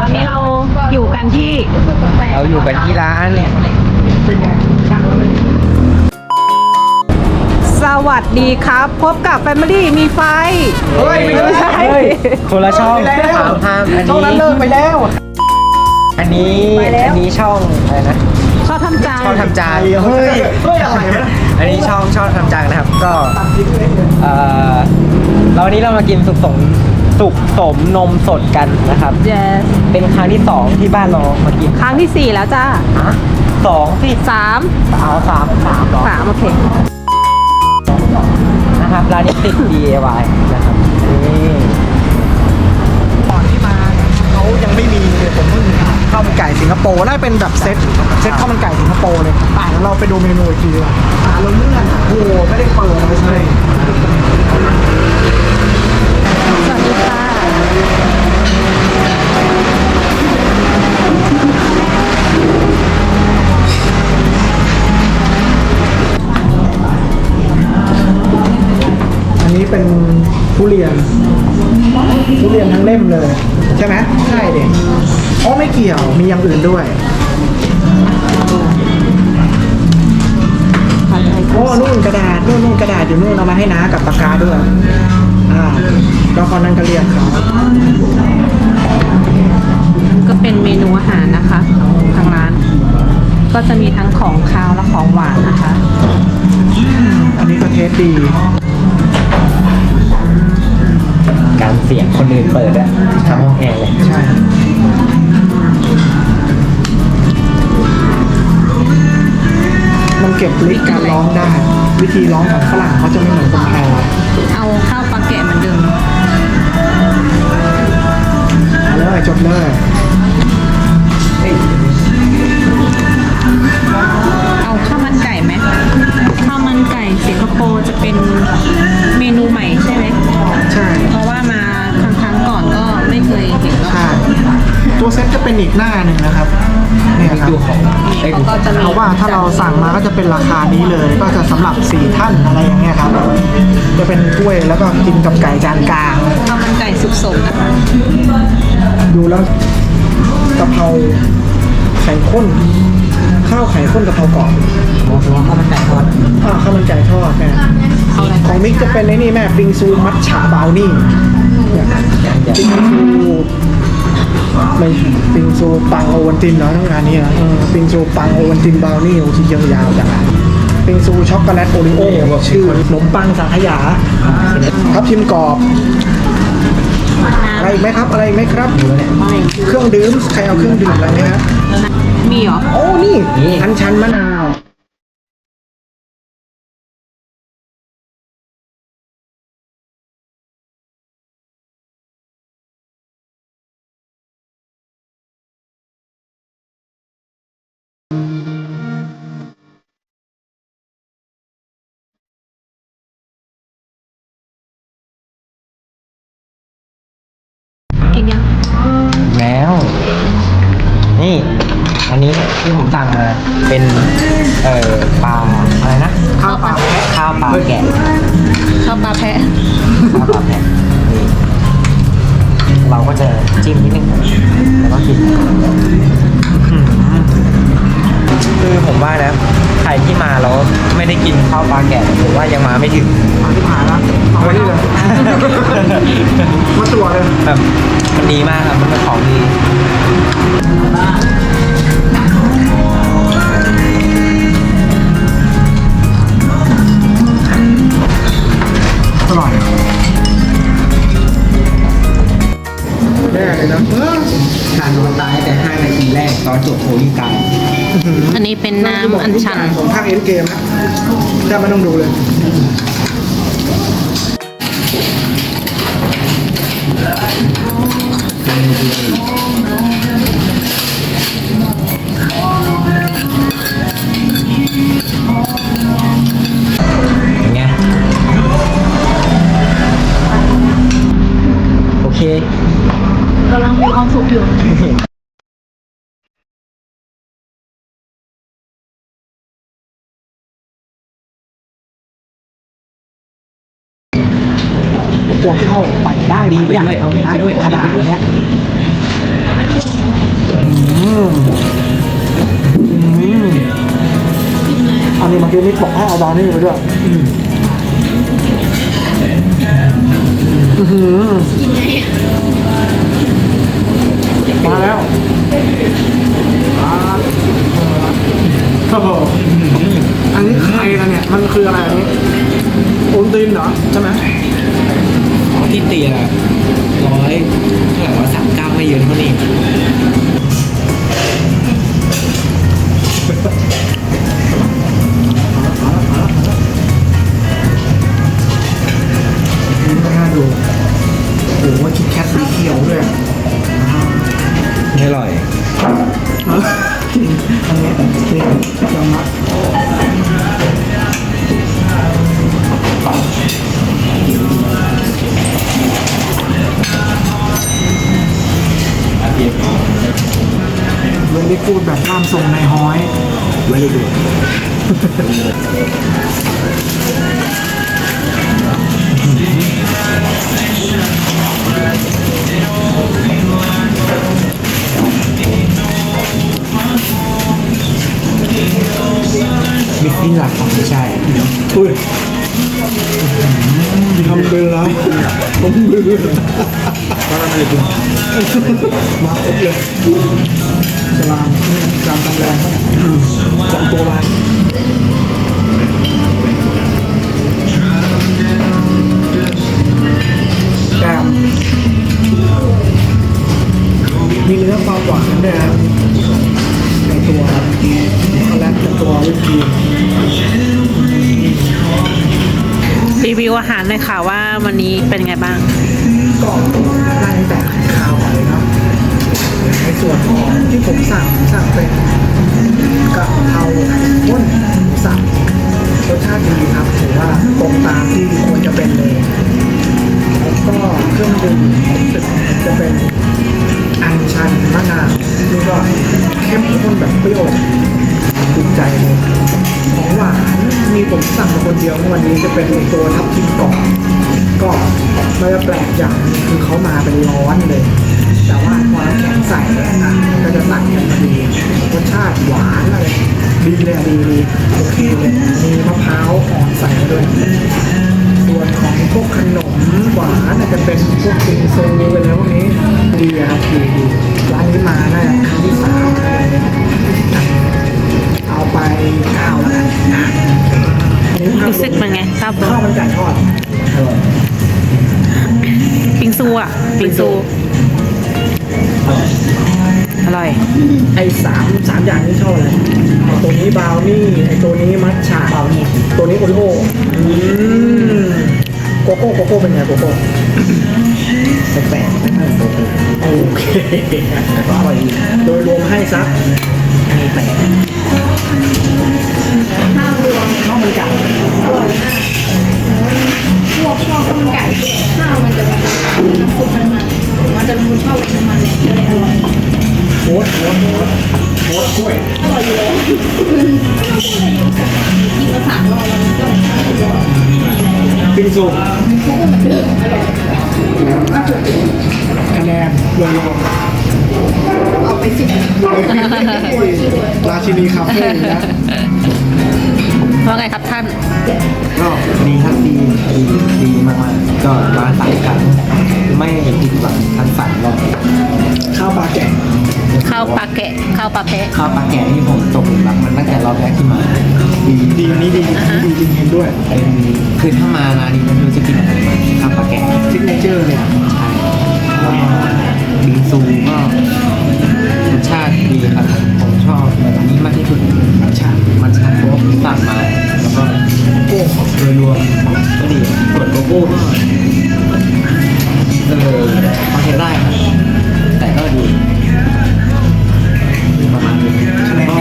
อนนี้เราอยู่กันที่ร้านเนี่ยสวัสดีครับ พบกับ Family มีไฟเฮ้ยไม่ใช่คนละช่องห้ามอันนี้ช่องนั้นเลิกไปแล้ว อันนี้ช่องอะไรนะชอบทำจานช่องทำจานเฮ้ยอะไรวะอันนี้ช่องทำจานนะครับก็เราวันนี้เรามากินสุกสมนมสดกันนะครับ Yes เป็นครั้งที่2ที่บ้านเรามากินครั้งที่ 4 แล้วจ้า 2 ที่ 3 เอา3หรอ 3 โอเคนะครับร้านนี้ติด DIY นะครับนี่ตอนที่มาเขายังไม่มีเลยผมเพิ่งข้าวมันไก่สิงคโปร์น่าเป็นแบบเซ็ตข้าวมันไก่สิงคโปร์เลยแล้วเราไปดูเมนูอีกทีดีกว่าเราเลื่อนโอ้โหไม่ได้เปิดเลยใช่สวัสดีค่ะอันนี้เป็นทุเรียนทั้งเล่มเลยใช่ไหมใช่เด็กอ๋อไม่เกี่ยวมีอย่างอื่นด้วยโอ้นู่นกระดาษนู่นกระดาษอยู่นู่นเอามาให้น้ากับปากกาด้วยแล้วคนนั้นก็เรียนเขาก็เป็นเมนูอาหารนะคะทางร้าน ก็จะมีทั้งของคาวและของหวานนะคะอันนี้ก็เทสดีการเสียงคนอื่นเปิดอะทำห้องแอร์เลยใช่มันเก็บลิกการร้องได้วิธีร้องของฝรั่งเขาจะไม่เหมือนคนไทยเอาข้าวปลาแกะเหมือนเดิมเอาเลยจบเลยเอาข้าวมันไก่ไหมข้าวมันไก่สิงคโปร์จะเป็นเมนูใหม่ใช่ไหมใช่เพราะว่ามาครั้งก่อนก็ไม่เคยเห็นแล้วใช่ตัวเซ็ตจะเป็นอีกหน้าหนึ่งนะครับเนี่ยครับเขาก็จะมีเอาว่าถ้าเราสั่งมาก็จะเป็นราคานี้เลย ก็จะสำหรับ4ท่านอะไรอย่างเงี้ยครับจะเป็นถ้วยแล้วก็กินกับไก่จานกลางข้าวมันไก่สุกสมนะคะดูแล้วกะเพราไข่ข้นข้าวไข่ข้นกะเพรากรอบข้าวมันไก่ทอดข้าวมันไก่ทอดแม่ของมิกจะเป็นในนี่แม่ปิงซูมัทฉะบราวนี่ปิงซูไม่ปิงซูปังโอวัลตินเนาะทั้งงานนี้นะปิงซูปังโอวัลตินบราวนี่โอ้ที่ยาวๆจังปิงซูช็อกโกแลตโอริโอชื่อขนมปังสังขยาทับทิมกรอบอะไรอีกไหมครับอะไรอีกไหมครับเครื่องดื่มใครเอาเครื่องดื่มอะไรไหมครับมีเหรอโอ้นี่อัญชันมะนาวกินยังแล้ว นี่ อันนี้ที่ผมสั่งมาเป็นปลาอะไรนะข้าวปลาแกะข้าวปลาแพะข้าวปลาแพะนี่เราก็จะจิ้มนิดนึงแล้วก็กินคือผมว่านะใครที่มาแล้วไม่ได้กินข้าวปลาแกะผมว่ายังมาไม่ถึงที่ผ่านแล้วเอาไว้นี่เลยมาตัวเลยแบบมันดีมากครับมันเป็นของดีอร่อยแน่เลยนะทานนอนตายแต่5 นาทีแรกตอนจบโพลิกรรมอันนี้เป็นน้ำอัญชันของภาคเอ็นเกมนะแต่ไม่ต้องดูเลยไงโอเคกำลังมีความสุขอยู่ตัวที่เข้าไปได้ดีไปด้วยเอาไปด้วยขนาดเนี้ยอันนี้เมื่อกี้นี่บอกให้เอาบราวนี่ไปด้วยมาแล้วอันนี้ใครนะเนี่ยมันคืออะไรอันนี้โอนตีนเหรอใช่ไหมที่เตีย100เท่าไหร่ว่า39ไม่เยอะเท่านี้น่าดูโอ้โหคิดแคทสีเขียวด้วยไม่อร่อยอันนี้คือยอมรับเลยได้พูดแบบร่ามทรงในห้อยไม่ได้ดูมิกซ์หลักของไม่ใช่อุ้ยทำเป็นแล้วผมมือก็ทำอะไรคุณมาครบเลยจะลามจามตำแรงสองตัวลายแกมมีเนื้อความหวานด้วยนะในตัวช็อกโกแลตกับตัววิปครีมรีวิวอาหารเลยค่ะว่าวันนี้เป็นไงบ้างก็ได้ตั้งแต่ข้าวก่อนเลยครับในส่วนของที่ผมสั่งเป็นกะเพราไก่ข้นหมูสับรสชาติดีครับถือว่าตรงตามที่ควรจะเป็นเลยแล้วก็เครื่องดื่มรู้สึกจะเป็นอัญชันมะนาวนี่ก็เข้มข้นแบบเปรี้ยวถูกใจเลยของหวานมีผมสั่งมาคนเดียววันนี้จะเป็นตัวทับทิมกรอบก็มันจะแปลกอย่างหนึ่งคือเขามาเป็นร้อนเลย แต่ว่าพอน้ำแข็งใส่เนี่ยมันก็จะตัดกันพอดีรสชาติหวานอะไรดีเลยดีโอเคเลยมีมะพร้าวอ่อนใส่มาด้วยส่วนของพวกขนมหวานอาจจะเป็นพวกบิงซูอะไรพวกนี้ดีครับดีร้านนี้มาได้ครั้งที่3เอาไป9แล้วกันนะรู้สึกเป็นไงทราบตัวข้าวมันไก่ทอดอร่อยปิงซูอ่ะปิงซู อร่อยไอ้สามอย่างนี้ชอบอะไรตัวนี้บราวนี่ไอ้ตัวนี้มัทฉะบราวนี่ตัวนี้โอริโอโกโก้เป็นไงโกโก้แปลกๆไม่โกโก้โอเคอร่อยดีโดยรวมให้ซักอันนี้แปลกข้าวมันไก่พวกชอบข้าวมันไก่ข้าวมันจะแบบน้ำซุปมันจะรู้ชอบน้ำมันเลยก็เลยอร่อยโค้ดกล้วยอร่อยอยู่แล้วกินมา3 รอบแล้วมันก็อร่อยปิงซูทุกคนเหมือนเดิมอร่อยคะแนนรวมเอาไป10 ราชินีคาเฟ่นะว่าไงครับท่านก็ดีครับดีมากๆก็ร้าน3 ครั้งไม่ผิดหวังทั้ง3 รอบข้าวปลาแกะข้าวปลาแกะข้าวปลาแพะข้าวปลาแกะนี่ผมตกหลุมรักมันตั้งแต่รอบแรกที่มาดีอันนี้ดีจริงๆด้วยเป็นคือถ้ามาร้านนี้ไม่รู้จะกินอะไรมาข้าวปลาแกะซิกเนเจอร์เลยอ่ะใช่แล้วก็บิงซูก็รสชาติดีครับผมชอบแบบนี้มากที่สุดมันชาโป๊กสั่งมาแล้วก็โก้โดยรวมก็ดีส่วนโกโก้ก็พอใช้ได้ครับแต่ก็ดีประมาณนี้ก็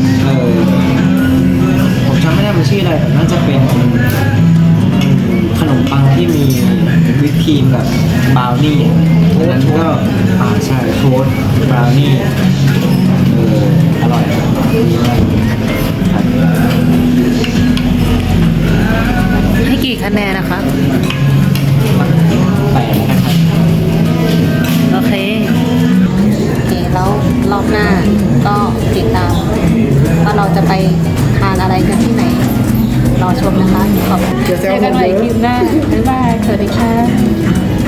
ผมจำไม่ได้มันชื่ออะไรแต่น่าจะเป็นขนมปังที่มีวิปครีมแบบบราวนี่นั้นก็ใช่โทสต์บราวนี่อร่อยดีมากครับให้กี่คะแนนนะคะ 8นะครับโอเค โอเค แล้วรอบหน้าไปทานอะไรกันที่ไหน รอชมนะคะขอบคุณเดี๋ยวแซเจวอกันใหม่ผมเยอะคลิปหน้าบ๊ายบายสวัสดีค่ะ